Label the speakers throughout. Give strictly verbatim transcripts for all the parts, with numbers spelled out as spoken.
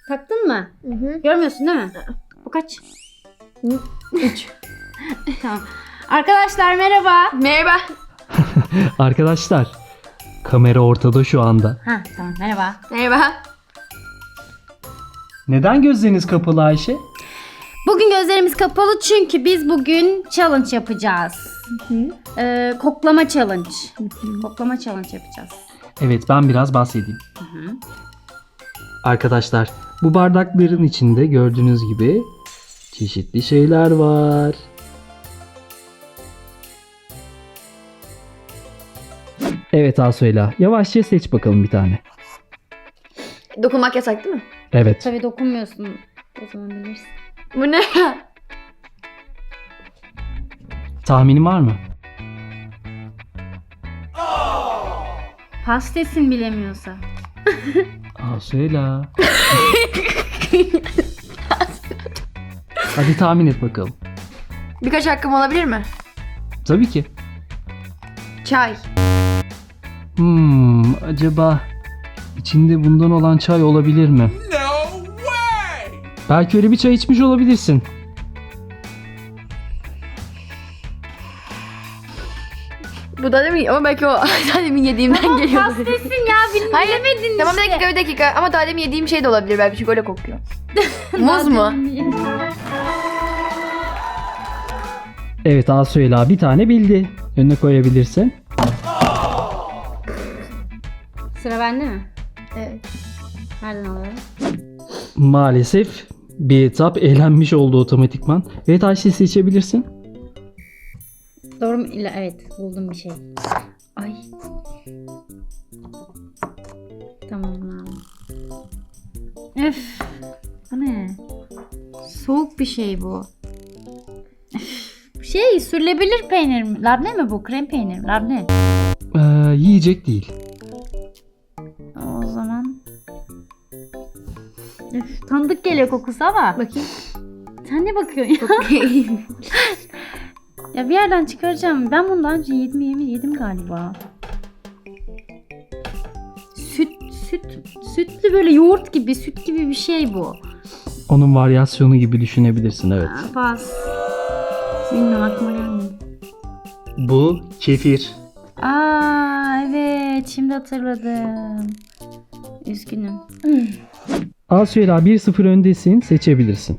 Speaker 1: Taktın mı?
Speaker 2: Hı hı.
Speaker 1: Görmüyorsun değil mi? Bu kaç?
Speaker 2: Üç.
Speaker 1: Tamam. Arkadaşlar merhaba.
Speaker 2: Merhaba.
Speaker 3: Arkadaşlar, kamera ortada şu anda.
Speaker 1: Ha tamam merhaba.
Speaker 2: Merhaba.
Speaker 3: Neden gözleriniz kapalı Ayşe?
Speaker 1: Bugün gözlerimiz kapalı çünkü biz bugün challenge yapacağız. Ee, koklama challenge. Koklama challenge yapacağız.
Speaker 3: Evet, ben biraz bahsedeyim.
Speaker 1: Hı.
Speaker 3: Arkadaşlar, bu bardakların içinde gördüğünüz gibi çeşitli şeyler var. Evet Asuela, yavaşça seç bakalım bir tane.
Speaker 2: Dokunmak yasak değil mi?
Speaker 3: Evet.
Speaker 1: Tabii dokunmuyorsun. O zaman bilirsin.
Speaker 2: Bu ne ya?
Speaker 3: Tahminin var mı?
Speaker 1: Pastesin bilemiyorsa.
Speaker 3: Asuela. Hadi tahmin et bakalım.
Speaker 2: Birkaç hakkım olabilir mi?
Speaker 3: Tabii ki.
Speaker 2: Çay.
Speaker 3: Hmm, acaba içinde bundan olan çay olabilir mi?
Speaker 4: No way!
Speaker 3: Belki öyle bir çay içmiş olabilirsin.
Speaker 2: Bu da demin ama belki o daha demin yediğimden geliyor.
Speaker 1: Pastesin ya bil-
Speaker 2: Hayır.
Speaker 1: bilemedin
Speaker 2: Tamam bir
Speaker 1: işte.
Speaker 2: dakika bir dakika ama daha demin yediğim şey de olabilir belki çünkü öyle kokuyor. Muz mu?
Speaker 3: Evet Asuela bir tane bildi. Önüne koyabilirsin.
Speaker 1: Sıra bende mi?
Speaker 2: Evet.
Speaker 1: Nereden alıyorum?
Speaker 3: Maalesef bir etap eğlenmiş oldu otomatikman. Evet Ayşe seçebilirsin.
Speaker 1: Doğru mu? İla- Evet buldum bir şey. Ay. Tamam abi. Öf. Bu ne? Soğuk bir şey bu. Öf. Şey sürülebilir peynir mi? Labne mi bu? Krem peynir mi? Labne.
Speaker 3: Ee, yiyecek değil.
Speaker 1: O zaman. Öf, tanıdık geliyor kokusu ama.
Speaker 2: Bakayım.
Speaker 1: Sen ne bakıyorsun ya? Ya bir yerden çıkaracağım. Ben bunu daha önce yedim yemin yedim galiba. Süt, süt, sütlü böyle yoğurt gibi, süt gibi bir şey bu.
Speaker 3: Onun varyasyonu gibi düşünebilirsin evet.
Speaker 1: Aa, pas. Bilmiyorum aklıma gelmedi.
Speaker 3: Bu kefir.
Speaker 1: Aa evet şimdi hatırladım. Üzgünüm.
Speaker 3: Asuela bir sıfır öndesin, seçebilirsin.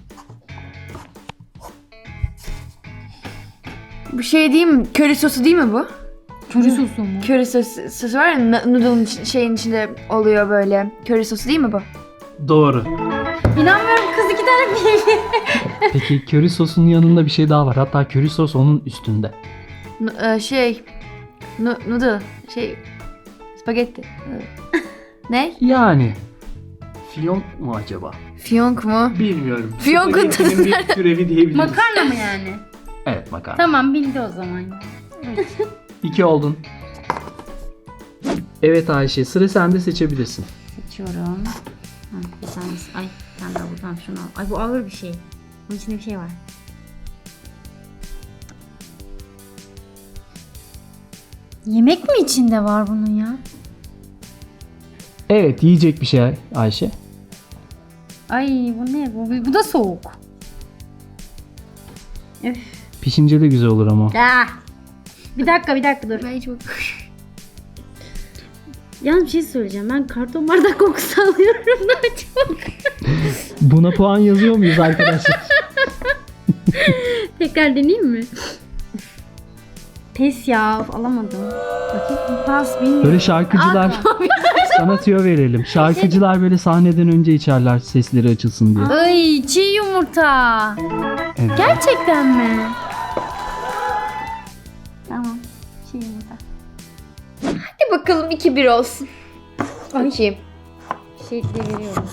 Speaker 2: Bu şey değil mi? Köri sosu değil mi bu?
Speaker 1: Köri sosu mu?
Speaker 2: Köri sosu, sosu var ya n- noodle'ın iç- şeyin içinde oluyor böyle. Köri sosu değil mi bu?
Speaker 3: Doğru.
Speaker 1: İnanmıyorum kız iki tane bildi.
Speaker 3: Peki köri sosunun yanında bir şey daha var. Hatta köri sos onun üstünde.
Speaker 2: N- e, şey n- noodle şey spagetti. ne?
Speaker 3: Yani fiyonk mu acaba?
Speaker 2: Fiyonk mu?
Speaker 3: Bilmiyorum.
Speaker 2: Fiyonkun tadı
Speaker 3: Spagettinin bir türevi diyebiliriz.
Speaker 1: Makarna mı yani?
Speaker 3: Evet makarna.
Speaker 1: Tamam bildi o zaman.
Speaker 3: İki oldun. Evet Ayşe sıra sende, seçebilirsin.
Speaker 1: Seçiyorum. Ha, bir tanesi. Ay bir tane daha buradan şunu al. Ay bu ağır bir şey. Bunun içinde bir şey var. Yemek mi içinde var bunun ya?
Speaker 3: Evet yiyecek bir şey Ayşe.
Speaker 1: Ay bu ne? Bu, bu da soğuk. Öf.
Speaker 3: Pişince de güzel olur ama.
Speaker 1: Ah. Bir dakika bir dakika dur.
Speaker 2: Ben çok...
Speaker 1: Yalnız bir şey söyleyeceğim. Ben karton bardak kokusu alıyorum daha çok.
Speaker 3: Buna puan yazıyor muyuz arkadaşlar?
Speaker 1: Tekrar deneyeyim mi? Pes ya. Of, alamadım. Bakayım. Pas bilmiyorum.
Speaker 3: Böyle şarkıcılar sana tüyo verelim. Şarkıcılar böyle sahneden önce içerler sesleri açılsın diye.
Speaker 1: Ay çiğ yumurta.
Speaker 3: Evet.
Speaker 1: Gerçekten mi? Tamam. Çiğ yumurta.
Speaker 2: Hadi bakalım iki bir olsun. Açayım.
Speaker 1: Şey de veriyorum.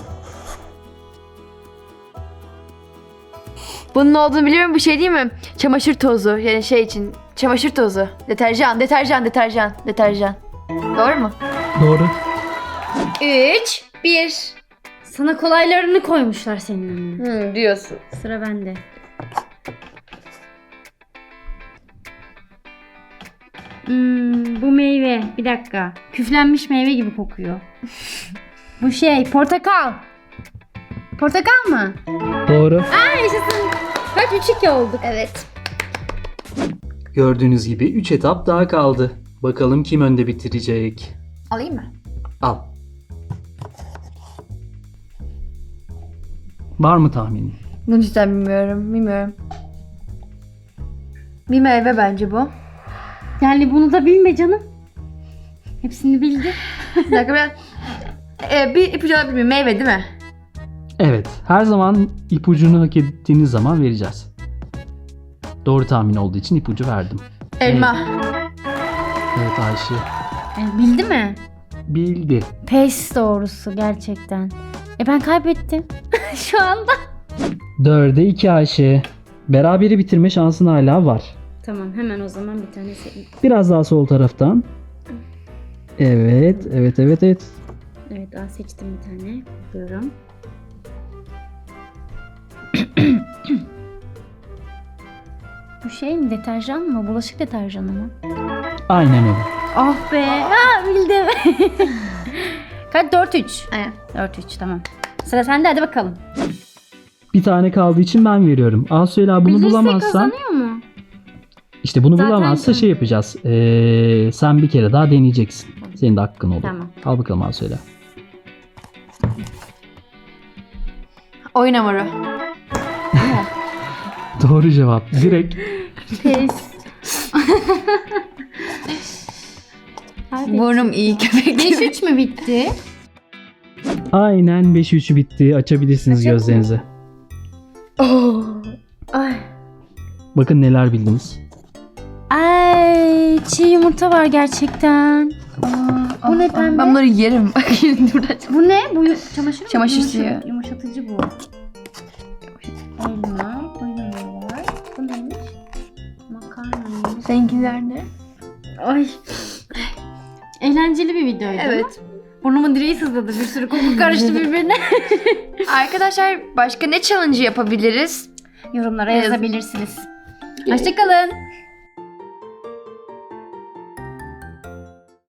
Speaker 2: Bunun ne olduğunu biliyorum, bu şey değil mi? Çamaşır tozu yani şey için. Çamaşır tozu. Deterjan, deterjan, deterjan, deterjan. Doğru mu?
Speaker 3: Doğru.
Speaker 2: üç bir.
Speaker 1: Sana kolaylarını koymuşlar senin önüne.
Speaker 2: Hmm, diyorsun.
Speaker 1: Sıra bende. Hmm, bu meyve. Bir dakika. Küflenmiş meyve gibi kokuyor. Bu şey portakal. Portakal mı?
Speaker 3: Doğru.
Speaker 1: Aa yaşasın. Kaç? üç iki olduk.
Speaker 2: Evet.
Speaker 3: Gördüğünüz gibi üç etap daha kaldı. Bakalım kim önde bitirecek?
Speaker 2: Alayım mı?
Speaker 3: Al. Var mı tahminin?
Speaker 2: Bunu cidden bilmiyorum. Bilmiyorum. Bir meyve bence bu.
Speaker 1: Yani bunu da bilme canım. Hepsini bildi.
Speaker 2: Bir dakika ben... Ee, bir ipucu alabilir miyim? Meyve değil mi?
Speaker 3: Evet. Her zaman ipucunu hak ettiğiniz zaman vereceğiz. Doğru tahmin olduğu için ipucu verdim.
Speaker 2: Elma.
Speaker 3: Evet Ayşe.
Speaker 1: E, bildi mi?
Speaker 3: Bildi.
Speaker 1: Pes doğrusu gerçekten. E ben kaybettim. Şu anda.
Speaker 3: Dörde iki Ayşe. Beraberi bitirme şansın hala var.
Speaker 1: Tamam hemen o zaman bir tane seçeyim.
Speaker 3: Biraz daha sol taraftan. Evet, evet, evet, evet.
Speaker 1: Evet daha seçtim bir tane. Bakıyorum. Bu şey mi? Deterjan mı? Bulaşık deterjanı mı?
Speaker 3: Aynen öyle.
Speaker 1: Ah be. Ha bildim. Kaç? dört üç.
Speaker 2: Aynen.
Speaker 1: dört üç tamam. Sıra sende hadi bakalım.
Speaker 3: Bir tane kaldığı için ben veriyorum. Asuyla bunu
Speaker 1: Bilirse
Speaker 3: bulamazsan
Speaker 1: kazanıyor mu?
Speaker 3: işte bunu
Speaker 1: Zaten
Speaker 3: bulamazsa
Speaker 1: kan-
Speaker 3: şey yapacağız. Ee, sen bir kere daha deneyeceksin. Senin de hakkın olur.
Speaker 1: Tamam.
Speaker 3: Al bakalım Asuyla.
Speaker 2: Oyun hamuru.
Speaker 3: Doğru cevap. Direkt
Speaker 1: Pes.
Speaker 2: Burnum iyi köpek
Speaker 1: beş
Speaker 2: gibi.
Speaker 1: üç mü bitti?
Speaker 3: aynen beş üç bitti. Açabilirsiniz
Speaker 1: Açalım mı?
Speaker 3: gözlerinizi.
Speaker 2: Oh.
Speaker 1: Ay.
Speaker 3: Bakın neler bildiniz.
Speaker 1: Ay çiğ yumurta var gerçekten. Bu ne pembe?
Speaker 2: Ben bunları yerim. Bak şimdi buradan.
Speaker 1: Bu ne? Bu yu- çamaşır mı?
Speaker 2: Çamaşır
Speaker 1: Yumuşa-
Speaker 2: suyu.
Speaker 1: Yumuşatıcı bu. Elma, koyun var. Bu neymiş? Makarna.
Speaker 2: Seninkiler ne?
Speaker 1: Ay. Eğlenceli bir videoydu.
Speaker 2: Evet.
Speaker 1: Burnumun direği sızladı. Bir sürü koku karıştı birbirine.
Speaker 2: Arkadaşlar başka ne challenge yapabiliriz?
Speaker 1: Yorumlara
Speaker 2: Evet.
Speaker 1: yazabilirsiniz. Hoşçakalın.